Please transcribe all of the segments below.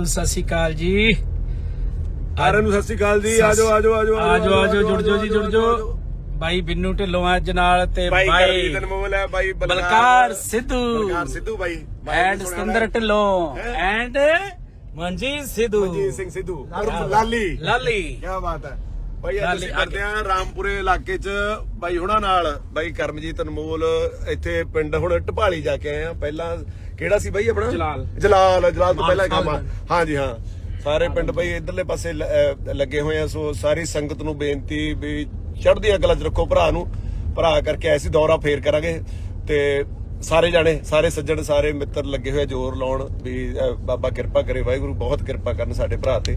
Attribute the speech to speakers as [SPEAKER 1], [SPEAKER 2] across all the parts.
[SPEAKER 1] ਸਤਿ ਸ਼੍ਰੀ ਅਕਾਲ ਜੀ
[SPEAKER 2] ਸਾਰਿਆਂ ਨੂੰ। ਸਤਿ ਸ਼੍ਰੀ ਅਕਾਲ ਜੀ। ਆਜੋ ਆਜੋ ਆਜੋ
[SPEAKER 1] ਆਜੋ ਆਜੋ ਜੁੜ ਜਾਓ ਜੀ, ਜੁੜ ਜਾਓ। ਬਾਈ ਬਿੰਨੂ ਢਿੱਲੋਂ ਅੱਜ ਨਾਲ ਤੇ ਬਾਈ
[SPEAKER 2] ਅਨਮੋਲ ਹੈ, ਬਾਈ
[SPEAKER 1] ਬਲਕਾਰ ਸਿੱਧੂ
[SPEAKER 2] ਬਾਈ
[SPEAKER 1] ਐਂਡ ਸਤਿੰਦਰ ਢਿੱਲੋਂ ਐਂਡ ਮਨਜੀਤ ਸਿੱਧੂ,
[SPEAKER 2] ਮਨਜੀਤ ਸਿੰਘ ਸਿੱਧੂ ਲਾਲੀ
[SPEAKER 1] ਲਾਲੀ।
[SPEAKER 2] ਕੀ ਬਾਤ ਹੈ ਬਾਈ। ਅੱਜ ਅਸੀਂ ਕਰਦੇ ਆ ਰਾਮਪੁਰੇ ਇਲਾਕੇ 'ਚ ਬਾਈ ਹੁਣਾਂ ਨਾਲ। ਬਾਈ ਕਰਮਜੀਤ ਅਨਮੋਲ ਇੱਥੇ ਪਿੰਡ ਹੁਣ ਢਪਾਲੀ ਜਾ ਕੇ ਆਏ ਆ। ਪਹਿਲਾਂ ਕਿਹੜਾ ਸੀ ਬਾਈ ਆਪਣਾ? ਜਲਾਲ ਤੋਂ ਪਹਿਲਾਂ ਕੰਮ ਆ। ਹਾਂਜੀ ਹਾਂ, ਸਾਰੇ ਪਿੰਡ ਬਾਈ ਇਧਰਲੇ ਪਾਸੇ ਲੱਗੇ ਹੋਏ ਆ। ਸੋ ਸਾਰੀ ਸੰਗਤ ਨੂੰ ਬੇਨਤੀ ਵੀ ਚੜ੍ਹਦੀਆਂ ਕਲਾਂ 'ਚ ਰੱਖੋ ਭਰਾ ਨੂੰ। ਭਰਾ ਕਰਕੇ ਆਏ ਸੀ, ਦੌਰਾ ਫੇਰ ਕਰਾਂਗੇ ਤੇ ਸਾਰੇ ਜਾਣੇ, ਸਾਰੇ ਸੱਜਣ, ਸਾਰੇ ਮਿੱਤਰ ਲੱਗੇ ਹੋਏ ਜ਼ੋਰ ਲਾਉਣ ਵੀ ਬਾਬਾ ਕਿਰਪਾ ਕਰੇ, ਵਾਹਿਗੁਰੂ ਬਹੁਤ ਕਿਰਪਾ ਕਰਨ ਸਾਡੇ ਭਰਾ ਤੇ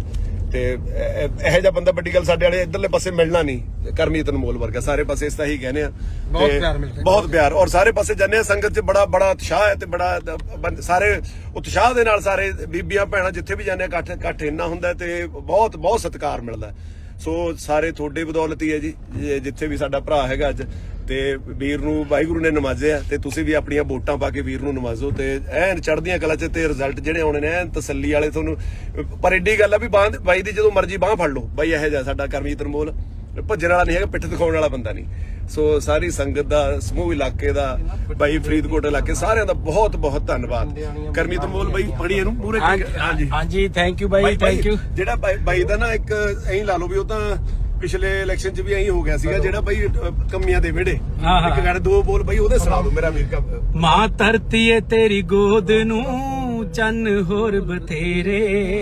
[SPEAKER 2] ਇਹੋ ਜਿਹਾ ਬੰਦਾ ਵੱਡੀ ਗੱਲ ਸਾਡੇ ਵਾਲੇ ਇਧਰਲੇ ਪਾਸੇ ਮਿਲਣਾ ਨਹੀਂ। ਕਰਮਜੀਤ ਅਨਮੋਲ ਵਰਗਾ ਸਾਰੇ ਪਾਸੇ ਇਸ ਤਾਂ ਹੀ ਕਹਿੰਦੇ ਆ। ਬਹੁਤ ਪਿਆਰ ਔਰ ਸਾਰੇ ਪਾਸੇ ਜਾਂਦੇ ਆ। ਸੰਗਤ 'ਚ ਬੜਾ ਉਤਸ਼ਾਹ ਹੈ ਤੇ ਬੜਾ ਸਾਰੇ ਉਤਸ਼ਾਹ ਦੇ ਨਾਲ ਸਾਰੇ ਬੀਬੀਆਂ ਭੈਣਾਂ ਜਿੱਥੇ ਵੀ ਜਾਂਦੇ ਆ ਇਕੱਠ ਇੰਨਾ ਹੁੰਦਾ ਤੇ ਬਹੁਤ ਸਤਿਕਾਰ ਮਿਲਦਾ। ਸੋ ਸਾਰੇ ਤੁਹਾਡੇ ਬਦੌਲਤ ਹੀ ਹੈ ਜੀ, ਜਿੱਥੇ ਵੀ ਸਾਡਾ ਭਰਾ ਹੈਗਾ ਅੱਜ। ਤੇ ਵੀਰ ਨੂੰ ਵਾਹਿਗੁਰੂ ਨੇ ਨਵਾਜ਼ਿਆ ਤੇ ਤੁਸੀਂ ਵੀ ਆਪਣੀਆਂ ਵੋਟਾਂ ਪਾ ਕੇ ਵੀਰ ਨੂੰ ਨਵਾਜ਼ੋ ਤੇ ਐਨ ਚੜ੍ਹਦੀਆਂ ਕਲਾ 'ਚ ਤੇ ਰਿਜ਼ਲਟ ਜਿਹੜੇ ਆਉਣੇ ਨੇ ਐਨ ਤਸੱਲੀ ਵਾਲੇ ਤੁਹਾਨੂੰ। ਪਰ ਏਡੀ ਗੱਲ ਆ ਵੀ ਬਾਈ ਦੀ ਜਦੋਂ ਮਰਜ਼ੀ ਬਾਹ ਫੜ ਲਓ। ਬਾਈ ਇਹੋ ਜਿਹਾ ਸਾਡਾ ਕਰਮਜੀਤ ਅਨਮੋਲ ਭੱਜਣ ਵਾਲਾ ਨਹੀਂ ਹੈਗਾ, ਪਿੱਠ ਦਿਖਾਉਣ ਵਾਲਾ ਬੰਦਾ ਨਹੀਂ। ਸੋ ਸਾਰੀ ਸੰਗਤ ਦਾ, ਸਮੂਹ ਇਲਾਕੇ ਦਾ, ਬਾਈ ਫਰੀਦਕੋਟ ਇਲਾਕੇ ਸਾਰਿਆਂ ਦਾ ਬਹੁਤ ਧੰਨਵਾਦ। ਕਰਮਜੀਤ ਅਨਮੋਲ ਬਾਈ ਬੜੀ ਇਹਨੂੰ ਪੂਰੇ
[SPEAKER 1] ਹਾਂਜੀ ਥੈਂਕ ਯੂ ਬਾਈ, ਥੈਂਕ ਯੂ।
[SPEAKER 2] ਜਿਹੜਾ ਬਾਈ ਦਾ ਨਾ ਇੱਕ ਐਂ ਲਾ ਲਓ ਵੀ ਉਹ ਤਾਂ ਪਿਛਲੇ ਇਲੈਕਸ਼ਨ 'ਚ ਵੀ ਐਂ ਹੋ ਗਿਆ ਸੀਗਾ। ਜਿਹੜਾ ਬਾਈ ਕਮੀਆਂ ਦੇ ਵਿਹੜੇ ਇੱਕ ਗੱਲ ਦੋ ਬੋਲ ਬਾਈ ਉਹਦੇ ਸੁਣਾ ਦੋ ਮੇਰਾ ਵੀਰ।
[SPEAKER 1] ਮਾਂ ਧਰਤੀ ਏ ਤੇਰੀ ਗੋਦ ਨੂੰ ਚੰਨ ਹੋਰ ਬਥੇਰੇ,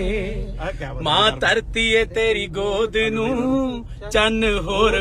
[SPEAKER 1] ਮਾਂ ਧਰਤੀ ਏ ਤੇਰੀ ਗੋਦ ਨੂੰ ਚੰਨ ਹੋਰ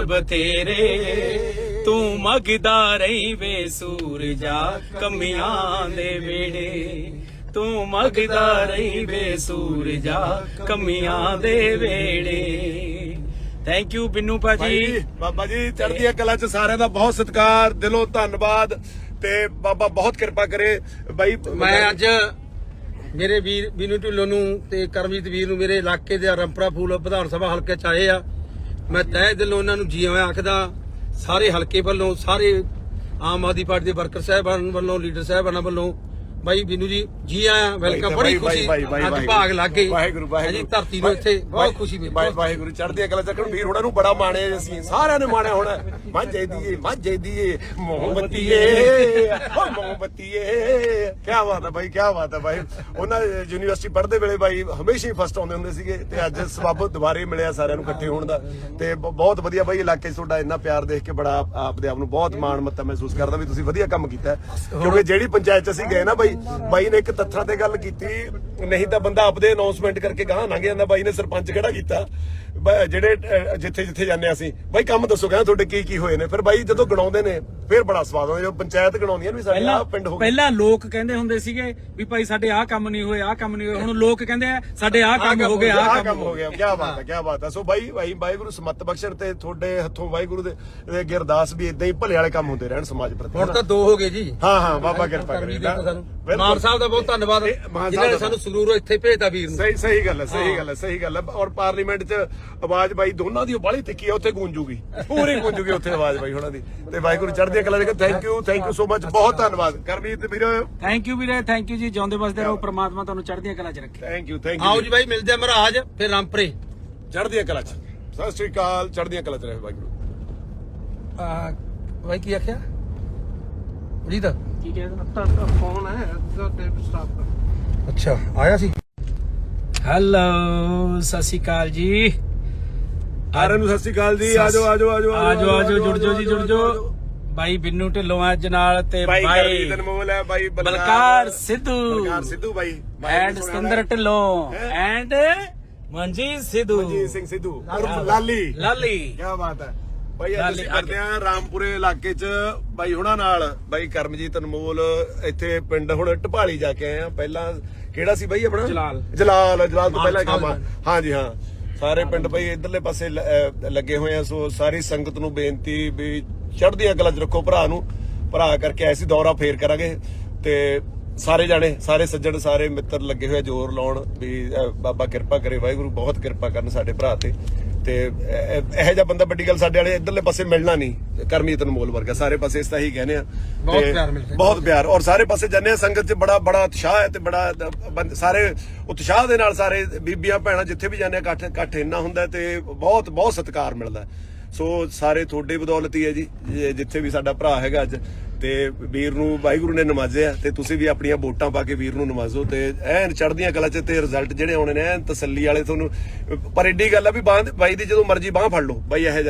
[SPEAKER 1] ਬਥੇਰੇ, ਤੂੰ ਮੰਗਦਾ ਰਹੀ ਵੇ ਸੂਰਜਾ ਕਮੀਆਂ ਦੇ ਵੇੜੇ, ਤੂੰ ਮੰਗਦਾ ਰਹੀ ਵੇ ਸੂਰਜਾ ਕਮੀਆਂ ਦੇ ਵੇੜੇ। ਥੈਂਕ ਯੂ ਬਿੰਨੂ ਭਾਜੀ।
[SPEAKER 2] ਬਾਬਾ ਜੀ ਚੜ੍ਹਦੀਆਂ ਕਲਾ 'ਚ ਸਾਰਿਆਂ ਦਾ ਬਹੁਤ ਸਤਿਕਾਰ, ਦਿਲੋਂ ਧੰਨਵਾਦ ਤੇ ਬਾਬਾ ਬਹੁਤ ਕਿਰਪਾ ਕਰੇ। ਬਾਈ
[SPEAKER 3] ਮੈਂ ਅੱਜ ਮੇਰੇ ਵੀਰ ਬਿੰਨੂ ਢਿੱਲੋਂ ਨੂੰ ਤੇ ਕਰਮਜੀਤ ਵੀਰ ਨੂੰ ਮੇਰੇ ਇਲਾਕੇ ਦੇ ਰੰਪਰਾ ਫੂਲ ਵਿਧਾਨ ਸਭਾ ਹਲਕੇ 'ਚ ਆਏ ਆ। ਮੈਂ ਤਹਿ ਦਿਲੋਂ ਉਹਨਾਂ ਨੂੰ ਜੀ ਆਇਆਂ ਆਖਦਾ। ਸਾਰੇ ਹਲਕੇ ਵੱਲੋਂ, ਸਾਰੇ ਆਮ ਆਦਮੀ ਪਾਰਟੀ ਦੇ ਵਰਕਰ ਸਾਹਿਬਾਨ ਵੱਲੋਂ, ਲੀਡਰ ਸਾਹਿਬਾਨਾਂ ਵੱਲੋਂ ਬਾਈ ਬਿੰਨੂ ਜੀ ਆਇਆ, ਵੈਲਕਮ। ਬੜੀ ਖੁਸ਼ੀ ਅੱਜ ਭਾਗ ਲੱਗ ਗਏ ਜੀ ਧਰਤੀ ਨੂੰ, ਇੱਥੇ ਬਹੁਤ ਖੁਸ਼ੀ ਮਿਲੀ।
[SPEAKER 2] ਵਾਹਿਗੁਰੂ ਚੜ੍ਹਦੀਆਂ ਕਲਾ ਚੱਕਣ ਵੀਰ ਹੋਣਾ ਨੂੰ ਬੜਾ ਮਾਣਿਆ ਅਸੀਂ, ਸਾਰਿਆਂ ਨੇ ਮਾਣਿਆ ਹੋਣਾ। ਮਾਝੇ ਦੀਏ ਮੋਹਬੱਤੀਏ ਮੋਹਬੱਤੀਏ। ਕੀ ਬਾਤ ਹੈ ਬਾਈ, ਕੀ ਬਾਤ ਹੈ ਬਾਈ। ਉਹਨਾਂ ਯੂਨੀਵਰਸਿਟੀ ਪੜ੍ਹਦੇ ਵੇਲੇ ਬਾਈ ਹਮੇਸ਼ਾ ਹੀ ਫਸਟ ਆਉਂਦੇ ਹੁੰਦੇ ਸੀਗੇ ਤੇ ਅੱਜ ਸਬੱਬ ਦੁਬਾਰੇ ਮਿਲਿਆ ਸਾਰਿਆਂ ਨੂੰ ਇਕੱਠੇ ਹੋਣ ਦਾ ਤੇ ਬਹੁਤ ਵਧੀਆ ਬਾਈ। ਇਲਾਕੇ 'ਚ ਤੁਹਾਡਾ ਇੰਨਾ ਪਿਆਰ ਦੇਖ ਕੇ ਬੜਾ ਆਪਦੇ ਆਪ ਨੂੰ ਬਹੁਤ ਮਾਣ ਮੱਤਾ ਮਹਿਸੂਸ ਕਰਦਾ ਵੀ ਤੁਸੀਂ ਵਧੀਆ ਕੰਮ ਕੀਤਾ। ਕਿਉਂਕਿ ਜਿਹੜੀ ਪੰਚਾਇਤ 'ਚ ਅਸੀਂ ਗਏ ਨਾ ਬਾਈ ਨੇ ਇੱਕ ਤੱਥਾਂ ਤੇ ਗੱਲ ਕੀਤੀ, ਨਹੀਂ ਤਾਂ ਬੰਦਾ ਆਪਦੇ ਅਨਾਉਂਸਮੈਂਟ ਕਰਕੇ ਗਾਹ ਲੰਘ ਜਾਂਦਾ। ਬਾਈ ਨੇ ਸਰਪੰਚ ਖੜਾ ਕੀਤਾ, ਜਿਹੜੇ ਜਿੱਥੇ ਜਾਂਦੇ ਅਸੀਂ ਬਾਈ ਕੰਮ ਦੱਸੋ ਕਹਿੰਦਾ ਤੁਹਾਡੇ ਕੀ ਹੋਏ ਨੇ। ਫਿਰ ਬਾਈ ਜਦੋਂ ਗਣਾਉਂਦੇ ਨੇ ਫਿਰ ਬੜਾ ਸਵਾਦ ਆਉਂਦਾ ਜਦੋਂ ਪੰਚਾਇਤ ਗਣਾਉਂਦੀਆਂ ਵੀ ਸਾਡੇ ਆਹ ਪਿੰਡ ਹੋ ਗਿਆ।
[SPEAKER 1] ਪਹਿਲਾਂ ਲੋਕ ਕਹਿੰਦੇ ਹੁੰਦੇ ਸੀਗੇ ਵੀ ਭਾਈ ਸਾਡੇ ਆਹ ਕੰਮ ਨਹੀਂ ਹੋਏ, ਆਹ ਕੰਮ ਨਹੀਂ ਹੋਏ। ਹੁਣ ਲੋਕ ਕਹਿੰਦੇ ਆ ਸਾਡੇ ਆਹ ਕੰਮ ਹੋ ਗਏ, ਆਹ ਕੰਮ ਹੋ ਗਿਆ।
[SPEAKER 2] ਕੀ ਬਾਤ ਹੈ, ਕੀ ਬਾਤ ਹੈ। ਸੋ ਬਾਈ ਵਾਹਿਗੁਰੂ ਸਮੱਤ ਬਖਸ਼ਣ ਤੇ ਤੁਹਾਡੇ ਹੱਥੋਂ ਵਾਹਿਗੁਰੂ ਦੇ ਅੱਗੇ ਅਰਦਾਸ ਵੀ ਇਦਾਂ ਹੀ ਭਲੇ ਵਾਲੇ ਕੰਮ ਹੁੰਦੇ ਰਹਿਣ ਸਮਾਜ ਪ੍ਰਤੀ।
[SPEAKER 3] ਹੁਣ ਤਾਂ 2 ਹੋ ਗਏ ਜੀ।
[SPEAKER 2] ਹਾਂ ਬਾਬਾ ਕਿਰਪਾ ਕਰੇ।
[SPEAKER 3] ਮਾਨ ਸਾਹਿਬ ਦਾ ਬਹੁਤ ਧੰਨਵਾਦ ਜਿਨ੍ਹਾਂ ਨੇ ਸਾਨੂੰ ਸਰੂਰੋਂ ਇੱਥੇ ਭੇਜਦਾ ਵੀਰ ਨੂੰ।
[SPEAKER 2] ਸਹੀ ਗੱਲ ਹੈ। ਔਰ ਪਾਰਲੀਮੈਂਟ 'ਚ ਆਵਾਜ਼ ਬਾਈ ਦੋਨਾਂ ਦੀ ਬਾਹਲੀ ਤਿੱਖੀ ਆ, ਉੱਥੇ ਗੂੰਜੂਗੀ, ਪੂਰੀ ਗੂੰਜੂਗੀ ਉੱਥੇ ਆਵਾਜ਼ ਬਾਈ ਉਹਨਾਂ ਦੀ। ਤੇ ਵਾਹਿਗੁਰੂ ਚੜ੍ਹਦੀਆਂ ਕਲਾ ਦੇ। ਥੈਂਕ ਯੂ ਸੋ ਮਚ, ਬਹੁਤ ਧੰਨਵਾਦ ਕਰਮਜੀਤ ਵੀਰ।
[SPEAKER 1] ਥੈਂਕ ਯੂ ਵੀਰੇ, ਥੈਂਕ ਯੂ ਜੀ। ਜਿਉਂਦੇ ਵਸਦੇ ਰਹੋ, ਪ੍ਰਮਾਤਮਾ ਤੁਹਾਨੂੰ ਚੜ੍ਹਦੀਆਂ ਕਲਾ 'ਚ ਰੱਖੇ।
[SPEAKER 2] Thank you.
[SPEAKER 3] ਆਓ ਜੀ ਬਾਈ ਮਿਲਦੇ ਆ ਮਹਾਰਾਜ ਫਿਰ ਰਾਮਪੁਰੇ
[SPEAKER 2] ਚੜ੍ਹਦੀਆਂ ਕਲਾ 'ਚ। ਸਤਿ ਸ਼੍ਰੀ ਅਕਾਲ, ਚੜ੍ਹਦੀਆਂ ਕਲਾ 'ਚ ਰਹੇ ਵਾਹਿਗੁਰੂ।
[SPEAKER 3] ਬਾਈ ਕੀ ਆਖਿਆ ਜੀ ਦਾ
[SPEAKER 1] ਕੀ ਕਹਿੰਦਾ?
[SPEAKER 3] ਫੋਨ ਹੈ ਅੱਛਾ ਆਇਆ ਸੀ।
[SPEAKER 1] ਹੈਲੋ ਸਤਿ ਸ਼੍ਰੀ ਅਕਾਲ ਜੀ
[SPEAKER 2] ਸਾਰਿਆਂ ਨੂੰ। ਸਤਿ ਸ਼੍ਰੀ ਅਕਾਲ ਜੀ। ਆਜੋ
[SPEAKER 1] ਜੁੜ ਜਾਓ ਜੀ, ਜੁੜ ਜਾਓ। ਬਾਈ ਬਿੰਨੂ ਢਿੱਲੋਂ ਅੱਜ ਨਾਲ ਤੇ ਬਾਈ
[SPEAKER 2] ਅਨਮੋਲ ਹੈ, ਬਾਈ
[SPEAKER 1] ਬਲਕਾਰ ਸਿੱਧੂ
[SPEAKER 2] ਬਾਈ
[SPEAKER 1] ਐਂਡ ਸਤਿੰਦਰ ਢਿੱਲੋਂ ਐਂਡ ਮਨਜੀਤ
[SPEAKER 2] ਸਿੰਘ ਸਿੱਧੂ ਲਾਲੀ। ਕੀ ਬਾਤ ਹੈ ਬਾਈ। ਅੱਜ ਅਸੀਂ ਕਰਦੇ ਆ ਰਾਮਪੁਰੇ ਇਲਾਕੇ 'ਚ ਬਾਈ ਹੁਣਾਂ ਨਾਲ। ਬਾਈ ਕਰਮਜੀਤ ਅਨਮੋਲ ਇੱਥੇ ਪਿੰਡ ਹੁਣ ਢਪਾਲੀ ਜਾ ਕੇ ਆਏ ਆ। ਪਹਿਲਾਂ ਕਿਹੜਾ ਸੀ ਬਾਈ ਆਪਣਾ? ਜਲਾਲ ਤੋਂ ਪਹਿਲਾਂ ਕੰਮ ਆ। ਹਾਂਜੀ ਹਾਂ, ਸਾਰੇ ਪਿੰਡ ਬਾਈ ਇਧਰਲੇ ਪਾਸੇ ਲੱਗੇ ਹੋਏ ਆ। ਸੋ ਸਾਰੀ ਸੰਗਤ ਨੂੰ ਬੇਨਤੀ ਵੀ ਚੜ੍ਹਦੀਆਂ ਕਲਾ 'ਚ ਰੱਖੋ ਭਰਾ ਨੂੰ। ਭਰਾ ਕਰਕੇ ਆਏ ਸੀ, ਦੌਰਾ ਫੇਰ ਕਰਾਂਗੇ ਤੇ ਸਾਰੇ ਜਾਣੇ, ਸਾਰੇ ਸੱਜਣ, ਸਾਰੇ ਮਿੱਤਰ ਲੱਗੇ ਹੋਏ ਜ਼ੋਰ ਲਾਉਣ ਵੀ ਬਾਬਾ ਕਿਰਪਾ ਕਰੇ, ਵਾਹਿਗੁਰੂ ਬਹੁਤ ਕਿਰਪਾ ਕਰਨ ਸਾਡੇ ਭਰਾ ਤੇ ਇਹੋ ਜਿਹਾ ਬੰਦਾ ਵੱਡੀ ਗੱਲ ਸਾਡੇ ਵਾਲੇ ਇਧਰਲੇ ਪਾਸੇ ਮਿਲਣਾ ਨਹੀਂ, ਕਰਮਜੀਤ ਅਨਮੋਲ ਵਰਗਾ। ਸਾਰੇ ਪਾਸੇ ਇਸ ਤਾਂ ਹੀ ਕਹਿੰਦੇ ਆ,
[SPEAKER 3] ਬਹੁਤ ਪਿਆਰ ਮਿਲਦਾ,
[SPEAKER 2] ਬਹੁਤ ਪਿਆਰ। ਔਰ ਸਾਰੇ ਪਾਸੇ ਜਾਂਦੇ ਆ, ਸੰਗਤ 'ਚ ਬੜਾ ਬੜਾ ਉਤਸ਼ਾਹ ਹੈ ਤੇ ਬੜਾ ਸਾਰੇ ਉਤਸ਼ਾਹ ਦੇ ਨਾਲ ਸਾਰੇ ਬੀਬੀਆਂ ਭੈਣਾਂ ਜਿੱਥੇ ਵੀ ਜਾਂਦੇ ਆ ਇਕੱਠ ਇੰਨਾ ਹੁੰਦਾ ਤੇ ਬਹੁਤ ਬਹੁਤ ਸਤਿਕਾਰ ਮਿਲਦਾ। ਸੋ ਸਾਰੇ ਤੁਹਾਡੇ ਬਦੌਲਤ ਹੀ ਹੈ ਜੀ, ਜਿੱਥੇ ਵੀ ਸਾਡਾ ਭਰਾ ਹੈਗਾ ਅੱਜ ਤੇ ਵੀਰ ਨੂੰ ਵਾਹਿਗੁਰੂ ਨੇ ਨਵਾਜ਼ਿਆ ਤੇ ਤੁਸੀਂ ਵੀ ਆਪਣੀਆਂ ਵੋਟਾਂ ਪਾ ਕੇ ਵੀਰ ਨੂੰ ਨਵਾਜ਼ੋ ਤੇ ਐਨ ਚੜ੍ਹਦੀਆਂ ਕਲਾ 'ਚ ਤੇ ਰਿਜ਼ਲਟ ਜਿਹੜੇ ਆਉਣੇ ਨੇ ਐਨ ਤਸੱਲੀ ਵਾਲੇ ਤੁਹਾਨੂੰ। ਪਰ ਏਡੀ ਗੱਲ ਆ ਵੀ ਬਾਈ ਦੀ ਜਦੋਂ ਮਰਜ਼ੀ ਬਾਹ ਫੜ ਲਓ ਬਾਈ, ਇਹੋ